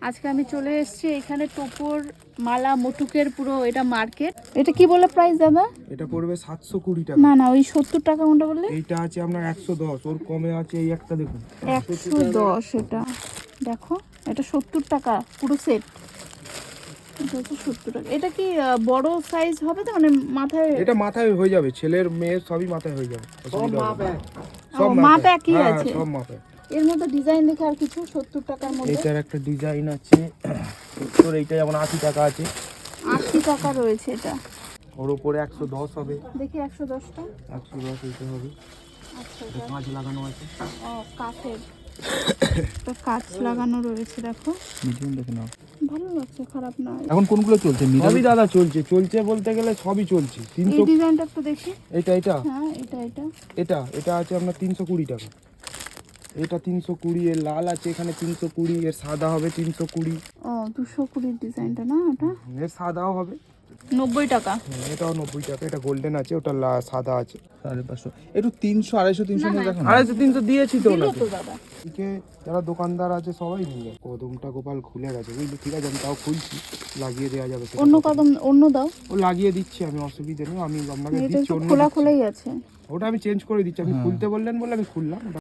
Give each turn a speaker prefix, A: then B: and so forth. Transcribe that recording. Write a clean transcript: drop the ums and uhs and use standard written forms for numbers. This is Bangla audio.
A: আজকে আমি চলে এসেছি এখানে টোপর মালা মুটুকের পুরো এটা মার্কেট। এটা কি বলে প্রাইস দাদা?
B: এটা পড়বে 720 টাকা।
A: না না, ওই 70 টাকা কোনটা বললে?
B: এইটা আছে আপনার 110, ওর কমে আছে এই একটা দেখুন
A: 110। এটা দেখো, এটা 70 টাকা পুরো সেট। এটা হচ্ছে 70 টাকা। এটা কি বড় সাইজ হবে তো, মানে মাথায়?
B: এটা মাথায় হয়ে যাবে, ছেলের মেয়ের সবই মাথায় হয়ে যাবে, অসুবিধা হবে না। সব
A: মাপ একই
B: হ্যাঁ,
A: আছে।
B: সব মাপে।
A: এর মধ্যে ডিজাইন দেখে আর কিছু 70 টাকার মধ্যে?
B: এটার একটা ডিজাইন আছে তোর, এইটা যেমন 80 টাকা আছে।
A: 80 টাকা রয়েছে এটা।
B: ওর উপরে 110 হবে।
A: দেখি 110টা।
B: 110 এইটা হবে।
A: আচ্ছা,
B: এটা
A: এটা
B: কাঁচ লাগানো আছে।
A: ও কাঠের। একটা কাঁচ লাগানো রয়েছে, দেখো
B: মিডিয়াম দেখে নাও।
A: ভালো লাগছে, খারাপ না।
C: এখন কোনগুলো চলছে?
B: সবই দাদা চলছে, চলছে বলতে গেলে সবই চলছে।
A: এই
B: 300
A: ডিজাইনটা একটু দেখি।
B: এটা এটা
A: হ্যাঁ, এটা এটা
B: এটা এটা আছে আপনার 320 টাকা। এটা 320, এর লাল আছে এখানে 320, এর সাদা হবে 320।
A: ও 220 ডিজাইনটা না, এটা
B: এর সাদাও হবে
A: 90 টাকা।
B: এটাও 90 টাকা। এটা গোল্ডেন আছে, ওটা সাদা আছে
C: 550। একটু 300 250 300
A: না,
C: দেখো না।
B: 250 300 দিয়েছি তো
A: দিলো
B: ওনাকে।
A: তো দাদা।
B: এদিকে যারা দোকানদার আছে সবাই নিয়ে যায়। কদমটা গোপাল খুলে গেছে বুঝলি, ঠিক আছে আমি তাও খুলছি, লাগিয়ে দেওয়া যাবে সেটা
A: অন্য
B: কথা
A: কদম অন্য দাও।
B: নেই। ও লাগিয়ে দিচ্ছি আমি, অসুবিধা নেই, আমি আপনাকে
A: এটা
B: দিচ্ছি
A: তো
B: অন্য
A: খোলা
B: দিচ্ছি।
A: খোলাই আছে।
B: ওটা আমি চেঞ্জ করে দিচ্ছি, আপনি খুলতে বললেন বলে আমি খুললাম।